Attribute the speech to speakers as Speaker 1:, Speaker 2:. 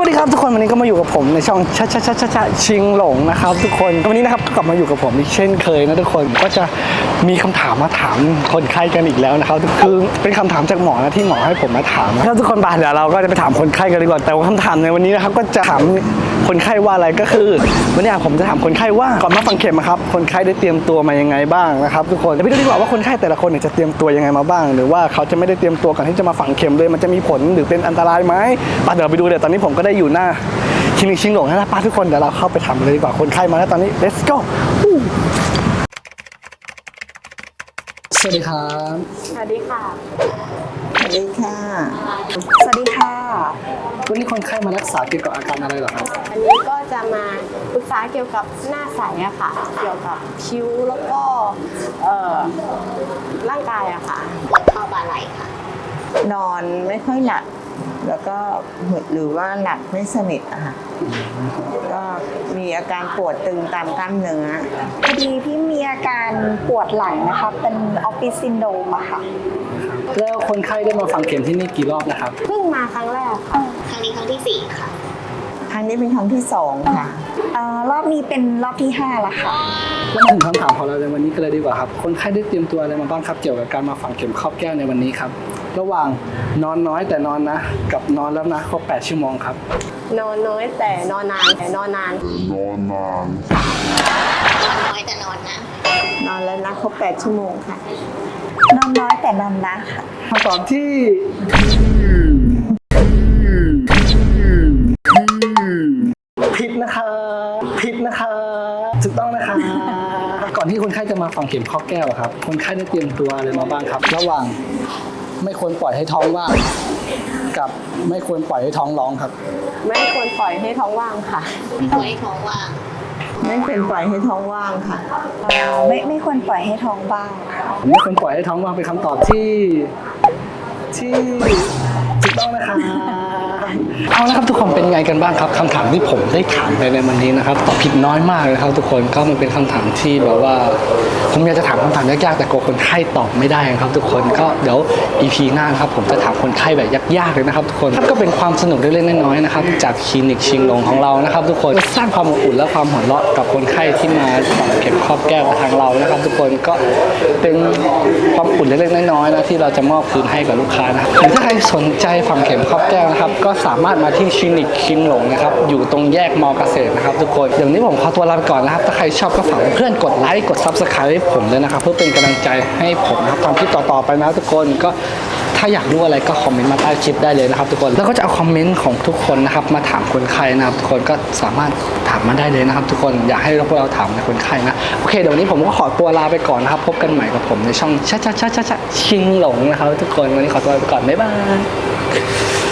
Speaker 1: วัสดีครับทุกคนวันนี้ก็มาอยู่กับผมในช่องชะชิงหลงนะครับทุกคนวันนี้นะครับก็กลับมาอยู่กับผมอีกเช่นเคยนะทุกคนก็จะมีคำถามมาถามคนไข้กันอีกแล้วนะครับคือเป็นคำถามจากหมอนะที่หมอให้ผมมาถามนะครับทุกคนเดี๋ยวเราก็จะไปถามคนไข้กันดีกว่าแต่ว่าคำถามในวันนี้นะครับก็จะถามคนไข้ว่าอะไรก็คือวันนี้ผมจะถามคนไข้ว่าก่อนมาฝังเข็มครับคนไข้ได้เตรียมตัวมายังไงบ้างนะครับทุกคนไปดูดีกว่าว่าคนไข้แต่ละคนจะเตรียมตัวยังไงมาบ้างหรือว่าเขาจะไม่ได้เตรียมตัวก่อนที่จะมาฝังเข็มเลยมันจะมีผลหรือเป็นอันตรายไหมเดี๋ยวไปดูเดี๋ยวตอนนี้ผมก็ได้อยู่หน้าคลินิกชิงหลงนะป้าทุกคนเดี๋ยวเราเข้าไปถามเลยดีกว่าคนไข้มาแล้วตอนนี้ let's go สวัสดีครับ
Speaker 2: สวัสดีค่ะ
Speaker 3: สวัสดีค่ะ
Speaker 2: สวัสดีค่ะ
Speaker 1: วันนี้คนไข้มารักษาเกี่ยวกับอาการอะไรเหรอครับ
Speaker 2: อันนี้ก็จะมาปรึกษาเกี่ยวกับหน้าใสอะค่ะ เกี่ยวกับคิ้วแล้วก็ร่างกายอะค่ะปวดข้อบ่าไหล่ค่ะ
Speaker 3: นอนไม่ค่อยหนัก แล้วก็หรือว่าหนักไม่สนิทอะค่ะก็มีอาการปวดตึงตามกล้ามเนื้อ
Speaker 4: พอดีพี่มีอาการปวดหลังนะคะ เป็นออฟฟิศซินโดรมอะค่ะ
Speaker 1: แล้วคนไข้ได้มาฝังเข็มที่นี่กี่รอบนะครับ
Speaker 2: เพิ่งมาครั้งแรกค่ะ
Speaker 5: ครั้งนี้ครั้งที่ 4 ค่ะ
Speaker 3: ครั้งนี้เป็นครั้งที่2ค่ะ
Speaker 4: รอบนี้เป็นรอบที่5แล้วค่ะ
Speaker 1: แล้วมาถึงคำถามของเราในวันนี้กันเลยดีกว่าครับคนไข้ได้เตรียมตัวอะไรมาบ้างครับเกี่ยวกับการมาฝังเข็มครอบแก้วในวันนี้ครับระหว่างนอนน้อยแต่นอนนะกับนอนแล้วนะครบ8 ชั่วโมงครับ
Speaker 2: นอนน้อยแต่นอนนานแต่นอนนาน
Speaker 5: นอนน้อยแต่นอนนะ
Speaker 3: นอนแล้วนะครบ8 ชั่วโมงค่ะ
Speaker 4: นอนน้อยแต่นอนนะค่ะ
Speaker 1: คำตอบที่ผิดนะคะผิดนะคะถูกต้องนะคะก่อนที่คนไข้จะมาฝังเข็มครอบแก้วครับคนไข้ได้เตรียมตัวอะไรมาบ้างครับ ระหว่างไม่ควรปล่อยให้ท้องว่างกับไม่ควรปล่อยให้ท้องร้องครับ
Speaker 2: ไม่ควรปล่อยให้ท้องว่างค่ะ
Speaker 5: ไว้ท้องว่าง
Speaker 3: ไม่ควรปล่อยให้ท้องว่างค่ะ
Speaker 4: ไม่ควรปล่อยให้ท้องบ้างค่ะ
Speaker 1: ไม่ควรปล่อยให้ท้องว่างเป็นคำตอบที่ถูกต้องนะคะเอาละครับทุกคนเป็นไงกันบ้างครับคำถามที่ผมได้ถามไปในวันนี้นะครับตอบผิดน้อยมากเลยครับทุกคนก็มันเป็นคำถามที่แบบว่าผมอยากจะถามคำถามยากๆแต่กลัวคนไข้ตอบไม่ได้ครับทุกคนก็เดี๋ยว EP หน้าครับผมจะถามคนไข้แบบยากๆเลยนะครับทุกคนก็เป็นความสนุกเล็กๆน้อยๆนะครับจากคลินิกชิงหลงของเรานะครับทุกคนสร้างความอบอุ่นและความหัวเราะกับคนไข้ที่มาฝังเข็มครอบแก้วกับทางเรานะครับทุกคนก็เป็นความอุ่นเล็กๆน้อยๆนะที่เราจะมอบคืนให้กับลูกค้านะครับหรือถ้าใครสนใจฝังเข็มครอบแก้วนะครับก็สามารถมาที่คลินิกชิงหลงนะครับอยู่ตรงแยกมอเกษตรนะครับทุกคนอย่างนี้ผมขอตัวลาไปก่อนนะครับถ้าใครชอบก็ฝากเพื่อนกดไลค์กด Subscribe ให้ผมเลยนะครับเพื่อเป็นกำลังใจให้ผมนะครับทำคลิปต่อๆไปนะทุกคนก็ถ้าอยากรู้อะไรก็คอมเมนต์มาใต้คลิปได้เลยนะครับทุกคนแล้วก็จะเอาคอมเมนต์ของทุกคนนะครับมาถามคนไข้นะครับทุกคนก็สามารถถามมาได้เลยนะครับทุกคนอยากให้พวกเราถามในคนไข้นะโอเคเดี๋ยววันนี้ผมก็ขอตัวลาไปก่อนนะครับพบกันใหม่กับผมในช่องชะชิงหลงนะครับทุกคนวันนี้ขอตัวลาไปก่อนบ๊ายบาย